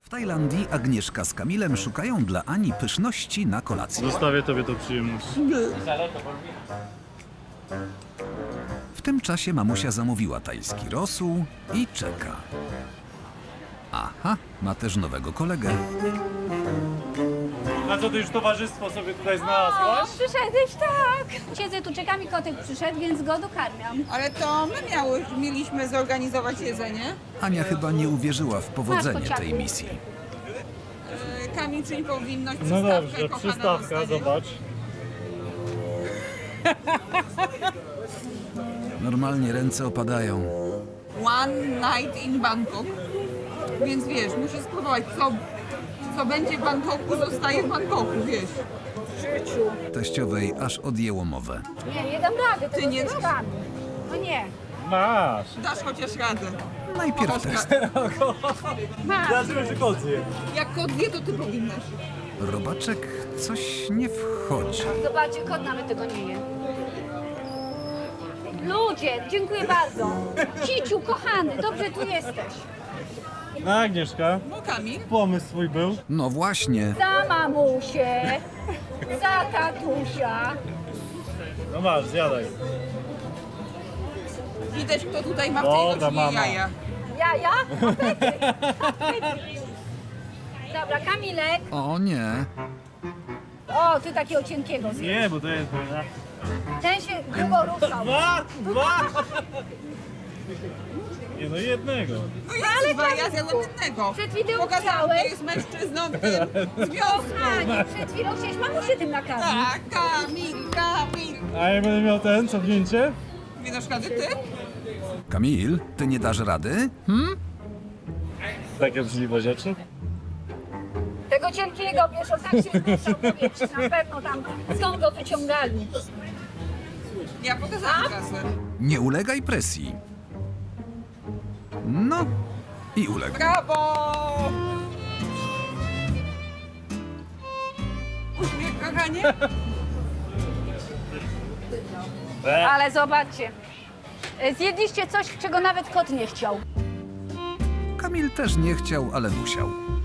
W Tajlandii Agnieszka z Kamilem szukają dla Ani pyszności na kolację. Zostawię tobie tą przyjemność. W tym czasie mamusia zamówiła tajski rosół i czeka. Aha, ma też nowego kolegę. A co, ty już towarzystwo sobie tutaj O, znalazłaś? przyszedłeś, tak. Siedzę tu, czeka mi kotek przyszedł, więc go dokarmiam. Ale to my mieliśmy zorganizować jedzenie. Ania chyba nie uwierzyła w powodzenie kociaku. tej misji. Kamil, czyli powinność, No przystawkę, dobrze, kochana przystawka, dostanie. zobacz. Normalnie ręce opadają. One night in Bangkok. Więc wiesz, musisz spróbować, co będzie w Bangkoku, zostaje w Bangkoku, wiesz. Teściowej aż odjęło mowę. Nie dam rady, Ty nie dasz? tkami. No nie, Masz. Dasz chociaż radę. Najpierw test. mam. Zobaczymy, czy kot zje. Jak kot wie, to ty powinnaś. Robaczek coś nie wchodzi. Zobaczcie, kot nawet tego nie je. Ludzie, dziękuję bardzo. Ciciu, kochany, dobrze tu jesteś. No Agnieszka, No Kamil, pomysł swój był. No właśnie. Za mamusię, za tatusia. No masz, zjadaj. widać, kto tutaj ma w tej Dobra, rodzinie mama. jaja. Jaja? Apety. Dobra, Kamilek. O nie. O, ty takiego cienkiego zjedz. Nie, bo to jest... Ten się grubo ruszał. Dwa! Nie no, jednego. No ja dwa, ja zjadłem jednego. Przed chwilą Pokazałam, kto chciałeś. jest mężczyzną w tym związku. Kochanie, przed chwilą chciałeś mamusię tym nakarmić. Tak, Kamil. A ja będę miał ten, cofnięcie? Nie dasz rady ty? Kamil, ty nie dasz rady? Takie brzydliwe rzeczy. Tego cienkiego, wiesz, on tak się ruszał, powietrze, na pewno tam, skąd go wyciągali. Ja pokazałam trasę. Nie ulegaj presji. No i uległ. Brawo! Uśmiech, kochanie. Ale zobaczcie, zjedliście coś, czego nawet kot nie chciał. Kamil też nie chciał, ale musiał.